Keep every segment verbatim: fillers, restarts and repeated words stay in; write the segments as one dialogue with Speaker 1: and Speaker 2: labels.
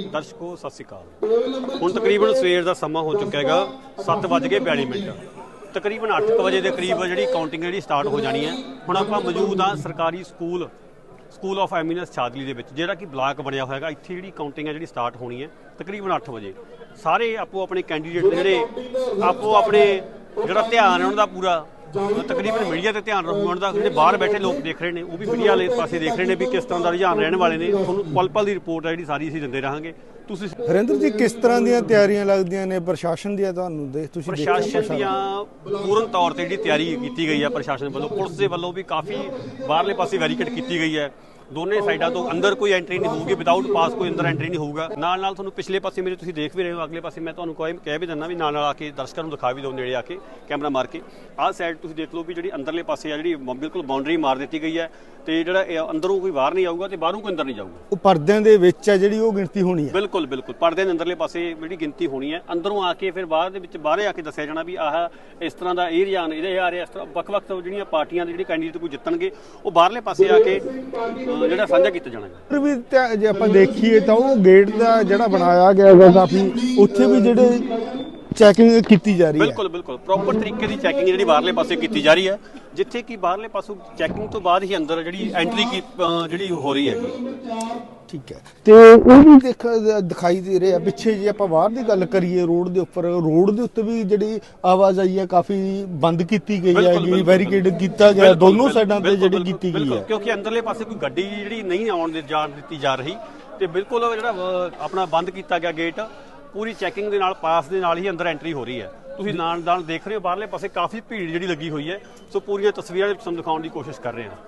Speaker 1: ਦਰਸ਼ਕੋ ਸਤਿ ਸ਼੍ਰੀ ਅਕਾਲ। ਹੁਣ ਤਕਰੀਬਨ ਸਵੇਰ ਦਾ ਸਮਾਂ ਹੋ ਚੁੱਕਾ ਹੈਗਾ, ਸੱਤ ਵੱਜ ਕੇ ਬਿਆਲੀ ਮਿੰਟ। ਤਕਰੀਬਨ ਅੱਠ ਵਜੇ ਦੇ ਕਰੀਬ ਜਿਹੜੀ ਕਾਊਂਟਿੰਗ ਜਿਹੜੀ ਸਟਾਰਟ ਹੋ ਜਾਣੀ ਹੈ। ਹੁਣ ਆਪਾਂ ਮੌਜੂਦ ਹਾਂ ਸਰਕਾਰੀ school school of eminence Chhajli ਦੇ ਵਿੱਚ, ਜਿਹੜਾ ਕਿ ਬਲਾਕ ਬਣਿਆ ਹੋਇਆ ਹੈਗਾ। ਇੱਥੇ ਜਿਹੜੀ ਕਾਊਂਟਿੰਗ ਹੈ ਜਿਹੜੀ ਸਟਾਰਟ ਹੋਣੀ ਹੈ ਤਕਰੀਬਨ ਅੱਠ ਵਜੇ। ਸਾਰੇ ਆਪੋ ਆਪਣੇ ਕੈਂਡੀਡੇਟ ਜਿਹੜੇ ਆਪੋ ਆਪਣੇ ਜਿਹੜਾ ਧਿਆਨ ਹੈ ਉਹਨਾਂ ਦਾ ਪੂਰਾ ਤਕਰੀਬਨ ਮੀਡੀਆ ਤੇ ਧਿਆਨ ਰੱਖਣ ਦਾ, ਜਿਹੜੇ ਬਾਹਰ ਬੈਠੇ ਲੋਕ ਦੇਖ ਰਹੇ ਨੇ ਉਹ ਵੀ ਮੀਡੀਆ ਵਾਲੇ ਪਾਸੇ ਦੇਖ ਰਹੇ ਨੇ ਵੀ ਕਿਸ ਤਰ੍ਹਾਂ ਦਾ ਰੁਝਾਨ ਰਹਿਣ ਵਾਲੇ ਨੇ। ਤੁਹਾਨੂੰ ਪਲ ਪਲ ਦੀ ਰਿਪੋਰਟ ਹੈ ਜਿਹੜੀ ਸਾਰੀ ਅਸੀਂ ਦਿੰਦੇ ਰਹਾਂਗੇ। ਤੁਸੀਂ
Speaker 2: ਹਰਿੰਦਰ ਜੀ ਕਿਸ ਤਰ੍ਹਾਂ ਦੀਆਂ ਤਿਆਰੀਆਂ ਲੱਗਦੀਆਂ ਨੇ ਪ੍ਰਸ਼ਾਸਨ ਦੀਆਂ ਤੁਹਾਨੂੰ ਦੇਖ ਤੁਸੀਂ
Speaker 1: ਪ੍ਰਸ਼ਾਸਨ ਦੀਆਂ ਪੂਰਨ ਤੌਰ ਤੇ ਜਿਹੜੀ ਤਿਆਰੀ ਕੀਤੀ ਗਈ ਹੈ ਪ੍ਰਸ਼ਾਸਨ ਵੱਲੋਂ, ਪੁਲਿਸ ਦੇ ਵੱਲੋਂ ਵੀ ਕਾਫੀ ਬਾਹਰਲੇ ਪਾਸੇ ਵੈਰੀਕੇਡ ਕੀਤੀ ਗਈ ਹੈ। ਦੋਨੇ ਸਾਈਡਾਂ ਤੋਂ ਅੰਦਰ ਕੋਈ ਐਂਟਰੀ ਨਹੀਂ ਹੋਊਗੀ, ਵਿਦਆਊਟ ਪਾਸ ਕੋਈ ਅੰਦਰ ਐਂਟਰੀ ਨਹੀਂ ਹੋਊਗਾ। ਨਾਲ ਨਾਲ ਤੁਹਾਨੂੰ ਪਿਛਲੇ ਪਾਸੇ ਮੇਰੇ ਤੁਸੀਂ ਦੇਖ ਵੀ ਰਹੇ ਹੋ, ਅਗਲੇ ਪਾਸੇ ਮੈਂ ਤੁਹਾਨੂੰ ਕੋਈ ਕਹਿ ਵੀ ਦਿੰਦਾ ਵੀ ਨਾਲ ਨਾਲ ਆ ਕੇ ਦਰਸ਼ਕਾਂ ਨੂੰ ਦਿਖਾ ਵੀ ਦਿਓ ਨੇੜੇ ਆ ਕੇ ਕੈਮਰਾ ਮਾਰ ਕੇ। ਆਹ ਸਾਈਡ ਤੁਸੀਂ ਦੇਖ ਲਓ ਵੀ ਜਿਹੜੀ ਅੰਦਰਲੇ ਪਾਸੇ ਆ ਜਿਹੜੀ ਬਿਲਕੁਲ ਬਾਉਂਡਰੀ ਮਾਰ ਦਿੱਤੀ ਗਈ ਹੈ ਤੇ ਜਿਹੜਾ ਅੰਦਰੋਂ ਕੋਈ ਬਾਹਰ ਨਹੀਂ ਆਊਗਾ ਤੇ ਬਾਹਰੋਂ ਕੋਈ ਅੰਦਰ ਨਹੀਂ ਜਾਊਗਾ।
Speaker 2: ਉਹ ਪਰਦਿਆਂ ਦੇ ਵਿੱਚ ਹੈ ਜਿਹੜੀ ਉਹ ਗਿਣਤੀ ਹੋਣੀ ਹੈ।
Speaker 1: ਬਿਲਕੁਲ ਬਿਲਕੁਲ ਪਰਦੇ ਦੇ ਅੰਦਰਲੇ ਪਾਸੇ ਜਿਹੜੀ ਗਿਣਤੀ ਹੋਣੀ ਹੈ, ਅੰਦਰੋਂ ਆ ਕੇ ਫਿਰ ਬਾਹਰ ਦੇ ਵਿੱਚ ਬਾਹਰੇ ਆ ਕੇ ਦੱਸਿਆ ਜਾਣਾ ਵੀ ਆਹ ਇਸ ਤਰ੍ਹਾਂ ਦਾ ਇਹ ਰੁਝਾਨ ਇਹਦੇ ਆ ਰਿਹਾ। ਇਸ ਤਰ੍ਹਾਂ ਵੱਖ ਵੱਖ ਜਿਹੜੀਆਂ ਪਾਰਟੀਆਂ ਦੇ ਜਿਹੜੇ ਕੈਂਡੀਡੇਟ ਕੋਈ ਜਿੱਤਣਗੇ ਉਹ ਬਾਹਰਲੇ ਪਾਸੇ ਆ ਕੇ ਜਿਹੜਾ ਸਾਂਝਾ ਕੀਤਾ ਜਾਣਾ।
Speaker 2: ਪਰ ਵੀ ਜੇ ਆਪਾਂ ਦੇਖੀਏ ਤਾਂ ਉਹ ਗੇਟ ਦਾ ਜਿਹੜਾ ਬਣਾਇਆ ਗਿਆ ਹੈ ਕਾਫੀ, ਉੱਥੇ ਵੀ ਜਿਹੜੇ ਚੈਕਿੰਗ ਕੀਤੀ ਜਾ ਰਹੀ ਹੈ।
Speaker 1: ਬਿਲਕੁਲ ਬਿਲਕੁਲ ਪ੍ਰੋਪਰ ਤਰੀਕੇ ਦੀ ਚੈਕਿੰਗ ਜਿਹੜੀ ਬਾਹਰਲੇ ਪਾਸੇ ਕੀਤੀ ਜਾ ਰਹੀ ਹੈ, ਜਿੱਥੇ ਕਿ ਬਾਹਰਲੇ ਪਾਸੋਂ ਚੈਕਿੰਗ ਤੋਂ ਬਾਅਦ ਹੀ ਅੰਦਰ ਜਿਹੜੀ ਐਂਟਰੀ ਕੀ ਜਿਹੜੀ ਹੋ ਰਹੀ ਹੈ।
Speaker 2: ਠੀਕ ਹੈ, ਤੇ ਉਹ ਵੀ ਦੇਖ ਦਿਖਾਈ ਦੇ ਰਿਹਾ ਪਿੱਛੇ। ਜੇ ਆਪਾਂ ਬਾਹਰ ਦੀ ਗੱਲ ਕਰੀਏ ਰੋਡ ਦੇ ਉੱਪਰ, ਰੋਡ ਦੇ ਉੱਤੇ ਵੀ ਜਿਹੜੀ ਆਵਾਜਾਈ ਹੈ ਕਾਫੀ ਬੰਦ ਕੀਤੀ ਗਈ ਹੈ, ਬੈਰੀਕੇਡ ਕੀਤਾ ਗਿਆ ਦੋਨੋਂ ਸਾਈਡਾਂ ਤੇ ਜਿਹੜੀ ਕੀਤੀ ਗਈ ਹੈ,
Speaker 1: ਕਿਉਂਕਿ ਅੰਦਰਲੇ ਪਾਸੇ ਕੋਈ ਗੱਡੀ ਜਿਹੜੀ ਨਹੀਂ ਆਉਣ ਦੇ ਜਾਣ ਦਿੱਤੀ ਜਾ ਰਹੀ ਤੇ ਬਿਲਕੁਲ ਜਿਹੜਾ ਆਪਣਾ ਬੰਦ ਕੀਤਾ ਗਿਆ ਗੇਟ। ਪੂਰੀ ਚੈਕਿੰਗ ਦੇ ਨਾਲ ਪਾਸ ਦੇ ਨਾਲ ਹੀ ਅੰਦਰ ਐਂਟਰੀ ਹੋ ਰਹੀ ਹੈ। ਤੁਸੀਂ ਨਾਲ ਨਾਲ ਦੇਖ ਰਹੇ ਹੋ ਬਾਹਰਲੇ ਪਾਸੇ ਕਾਫੀ ਭੀੜ ਜਿਹੜੀ ਲੱਗੀ ਹੋਈ ਹੈ। ਸੋ ਪੂਰੀਆਂ ਤਸਵੀਰਾਂ ਵਿੱਚ ਤੁਹਾਨੂੰ ਦਿਖਾਉਣ ਦੀ ਕੋਸ਼ਿਸ਼ ਕਰ ਰਹੇ ਹਾਂ।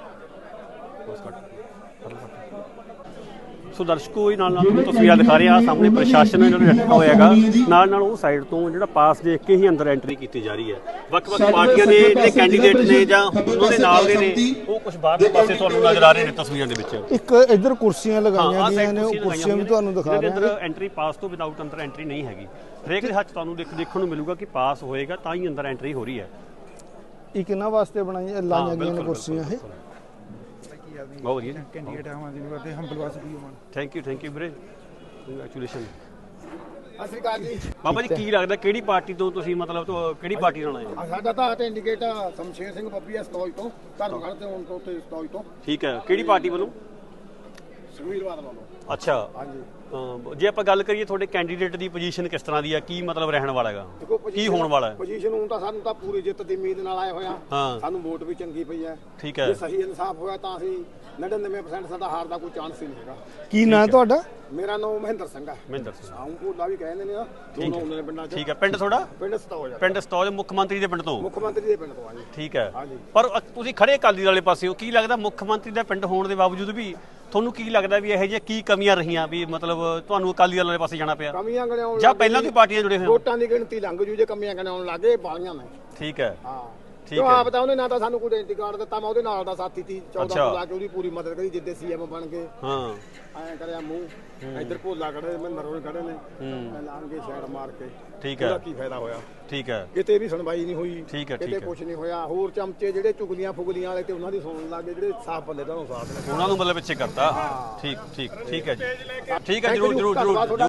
Speaker 1: ਸੋ ਦਰਸ਼ਕੋ ਨਾਲ ਨਾਲ ਤੁਹਾਨੂੰ ਤਸਵੀਰਾਂ ਦਿਖਾ ਰਹੇ ਹਾਂ। ਸਾਹਮਣੇ ਪ੍ਰਸ਼ਾਸਨ ਇਹਨਾਂ ਨੂੰ ਰੱਖਿਆ ਹੋਇਆ ਹੈਗਾ, ਨਾਲ ਨਾਲ ਉਹ ਸਾਈਡ ਤੋਂ ਜਿਹੜਾ ਪਾਸ ਦੇਖ ਕੇ ਹੀ ਅੰਦਰ ਐਂਟਰੀ ਕੀਤੀ ਜਾ ਰਹੀ ਹੈ। ਵੱਖ ਵੱਖ ਪਾਰਟੀਆਂ ਦੇ ਜਿਹੜੇ ਕੈਂਡੀਡੇਟ ਨੇ ਜਾਂ ਉਹਨਾਂ ਦੇ ਨਾਲ ਦੇ ਨੇ ਉਹ ਕੁਝ ਬਾਹਰਲੇ ਪਾਸੇ ਤੁਹਾਨੂੰ ਨਜ਼ਰ ਆ ਰਹੇ ਨੇ ਤਸਵੀਰਾਂ ਦੇ ਵਿੱਚ।
Speaker 2: ਇੱਕ ਇੱਧਰ ਕੁਰਸੀਆਂ ਲਗਾਈਆਂ ਗਈਆਂ ਨੇ, ਉਹ ਕੁਰਸੀਆਂ ਵੀ ਤੁਹਾਨੂੰ ਦਿਖਾ ਰਹੇ ਹਾਂ।
Speaker 1: ਅੰਦਰ ਐਂਟਰੀ ਪਾਸ ਤੋਂ ਵਿਦਆਊਟ ਅੰਦਰ ਐਂਟਰੀ ਨਹੀਂ ਹੈਗੀ। ਹਰੇਕ ਦੇ ਹੱਥ ਤੁਹਾਨੂੰ ਦੇਖ ਦੇਖਣ ਨੂੰ ਮਿਲੂਗਾ ਕਿ ਪਾਸ ਹੋਏਗਾ ਤਾਂ ਹੀ ਅੰਦਰ ਐਂਟਰੀ ਹੋ ਰਹੀ ਹੈ।
Speaker 2: ਇਹ ਕਿਹਨਾਂ ਵਾਸਤੇ ਬਣਾਈਆਂ ਲਾਈਆਂ ਗਈਆਂ ਨੇ ਕੁਰਸੀਆਂ ਇਹ?
Speaker 1: ਬਹੁਤ ਵਧੀਆ ਜੀ,
Speaker 3: ਕੈਂਡੀਡੇਟ ਆਵਾਂ ਜੀ ਨੂੰ ਕਰਦੇ ਹੰਬਲ ਵਾਸ ਵੀ ਹੋਣ।
Speaker 1: ਥੈਂਕ ਯੂ ਥੈਂਕ ਯੂ ਵੀਰੇ, ਕੰਗ੍ਰੈਚੁਲੇਸ਼ਨ।
Speaker 3: ਸਤਿ ਸ਼੍ਰੀ ਅਕਾਲ ਜੀ।
Speaker 1: ਬਾਬਾ ਜੀ ਕੀ ਲੱਗਦਾ ਕਿਹੜੀ ਪਾਰਟੀ ਤੋਂ ਤੁਸੀਂ ਮਤਲਬ ਕਿਹੜੀ ਪਾਰਟੀ ਨਾਲ ਆਏ ਹੋ?
Speaker 3: ਸਾਡਾ ਤਾਂ ਕੈਂਡੀਡੇਟ ਸ਼ਮਸ਼ੇਰ ਸਿੰਘ ਬੱਬੀ ਆ ਸਤੌਜ ਤੋਂ, ਧਰਮਗੜ੍ਹ ਤੇ ਹੁਣ ਤੋਂ ਤੇ ਸਤੌਜ ਤੋਂ।
Speaker 1: ਠੀਕ ਹੈ, ਕਿਹੜੀ ਪਾਰਟੀ ਵੱਲੋਂ?
Speaker 3: ਸੁਖਬੀਰ ਬਾਦਲ ਵੱਲੋਂ।
Speaker 1: ਅੱਛਾ,
Speaker 3: ਹਾਂਜੀ।
Speaker 1: ਜੇ ਆਪਾਂ ਗੱਲ ਕਰੀਏ ਤੁਹਾਡੇ ਕੈਂਡੀਡੇਟ ਦੀ ਪੋਜੀਸ਼ਨ ਕਿਸ ਤਰ੍ਹਾਂ ਦੀ ਆ, ਕੀ ਮਤਲਬ ਰਹਿਣ ਵਾਲਾ ਹੈਗਾ, ਕੀ ਹੋਣ ਵਾਲਾ ਹੈ?
Speaker 3: ਪੋਜੀਸ਼ਨ ਹੁਣ ਤਾਂ ਸਾਨੂੰ ਤਾਂ ਪੂਰੀ ਜਿੱਤ ਦੀ ਉਮੀਦ ਨਾਲ ਆਏ ਹੋਇਆ।
Speaker 1: ਹਾਂ,
Speaker 3: ਸਾਨੂੰ ਵੋਟ ਵੀ ਚੰਗੀ ਪਈ ਹੈ।
Speaker 1: ਠੀਕ ਹੈ,
Speaker 3: ਜੇ ਸਹੀ ਇਨਸਾਫ ਹੋਇਆ ਤਾਂ ਅਸੀਂ ਨੜਿਨਵੇਂ ਪਰਸੈਂਟ ਸਾਡਾ ਹਾਰ ਦਾ ਕੋਈ ਚਾਂਸ ਹੀ ਨਹੀਂ ਹੈਗਾ।
Speaker 2: ਕੀ ਨਾਂ ਤੁਹਾਡਾ?
Speaker 3: ਮੇਰਾ ਨਾਮ ਮਹਿੰਦਰ ਸਿੰਘ ਹੈ।
Speaker 1: ਮਹਿੰਦਰ ਸਿੰਘ
Speaker 3: ਆਉਂ ਭੋਲਾ ਵੀ ਕਹਿੰਦੇ ਨੇ ਨਾ, ਦੋਨੋਂ ਉਹਨਾਂ ਦੇ ਪਿੰਡਾਂ 'ਚ।
Speaker 1: ਠੀਕ ਹੈ, ਪਿੰਡ ਤੁਹਾਡਾ?
Speaker 3: ਪਿੰਡ ਸਤੌਜ।
Speaker 1: ਪਿੰਡ ਸਤੌਜ, ਮੁੱਖ ਮੰਤਰੀ ਦੇ ਪਿੰਡ ਤੋਂ?
Speaker 3: ਮੁੱਖ ਮੰਤਰੀ ਦੇ ਪਿੰਡ ਤੋਂ ਆ ਜੀ।
Speaker 1: ਠੀਕ ਹੈ,
Speaker 3: ਹਾਂਜੀ।
Speaker 1: ਪਰ ਤੁਸੀਂ ਖੜੇ ਅਕਾਲੀ ਦਲ ਵਾਲੇ ਪਾਸੇ ਹੋ, ਕੀ ਲੱਗਦਾ ਮੁੱਖ ਮੰਤਰੀ ਦਾ ਪਿੰਡ ਹੋਣ ਦੇ ਬਾਵਜੂਦ ਵੀ ਤੁਹਾਨੂੰ ਕੀ ਲੱਗਦਾ ਵੀ ਇਹੋ ਜਿਹੀਆਂ ਕੀ ਕਮੀਆਂ ਰਹੀਆਂ ਵੀ ਮਤਲਬ ਤੁਹਾਨੂੰ ਅਕਾਲੀ ਦਲ ਵਾਲੇ ਪਾਸੇ ਜਾਣਾ ਪਿਆ?
Speaker 3: ਕਮੀਆਂ ਗਣਾਉਣ
Speaker 1: ਜਾਂ ਪਹਿਲਾਂ ਦੀ ਪਾਰਟੀਆਂ ਜੁੜੇ ਹੋਏ?
Speaker 3: ਵੋਟਾਂ ਦੀ ਗਿਣਤੀ ਲੰਘ ਜੂ ਜੇ ਕਮੀਆਂ ਗਣਾਉਣ ਲੱਗੇ ਬਾਲੀਆਂ ਨੇ।
Speaker 1: ਠੀਕ ਹੈ,
Speaker 3: ਹਾਂ
Speaker 1: ਠੀਕ
Speaker 3: ਹੈ।
Speaker 1: ਹੈ।
Speaker 3: ਆਪ ਤਾਂ ਉਹਨੇ ਨਾ ਤਾਂ ਸਾਨੂੰ ਕੋਈ ਆਇਡੈਂਟੀ ਕਾਰਡ ਦਿੱਤਾ, ਮੈਂ ਉਹਦੇ ਨਾਲ ਦਾ ਸਾਥੀ ਸੀ ਚੌਦਾਂ ਤੋਂ ਲਾ ਕੇ ਉਹਦੀ ਪੂਰੀ ਮਦਦ ਕਰੀ ਜਿੱਦੇ ਸੀਐਮ ਬਣ ਗਏ।
Speaker 1: ਹਾਂ,
Speaker 3: ਐਂ ਕਰਿਆ ਮੂੰਹ ਇੱਧਰ ਭੋਲਾ ਖੜੇ ਮਹਿੰਦਰ ਹੋਏ ਖੜੇ ਨੇ, ਲਾਂਗੇ ਛੇੜ ਮਾਰ ਕੇ।
Speaker 1: ਠੀਕ ਹੈ,
Speaker 3: ਉਹਦਾ ਕੀ ਫਾਇਦਾ ਹੋਇਆ?
Speaker 1: ਠੀਕ ਹੈ,
Speaker 3: ਕਿਤੇ ਵੀ ਸੁਣਵਾਈ ਨਹੀਂ ਹੋਈ,
Speaker 1: ਠੀਕ ਹੈ, ਠੀਕ
Speaker 3: ਕਿਤੇ
Speaker 1: ਹੈ।
Speaker 3: ਕੁਝ ਨਹੀਂ ਹੋਇਆ। ਹੋਰ ਚਮਚੇ ਜਿਹੜੇ ਚੁਗਲੀਆਂ ਫੁਗਲੀਆਂ ਵਾਲੇ ਤੇ ਉਹਨਾਂ ਦੀ ਸੁਣਨ ਲੱਗੇ, ਜਿਹੜੇ ਸਾਫ ਬੰਦੇ ਦਾ ਉਹ ਸਾਥ ਨੇ
Speaker 1: ਉਹਨਾਂ ਨੂੰ ਮਤਲਬ ਪਿੱਛੇ ਕਰਤਾ। ਠੀਕ ਠੀਕ ਠੀਕ ਹੈ ਜੀ, ਠੀਕ ਹੈ, ਜਰੂਰ ਜਰੂਰ ਜਰੂਰ।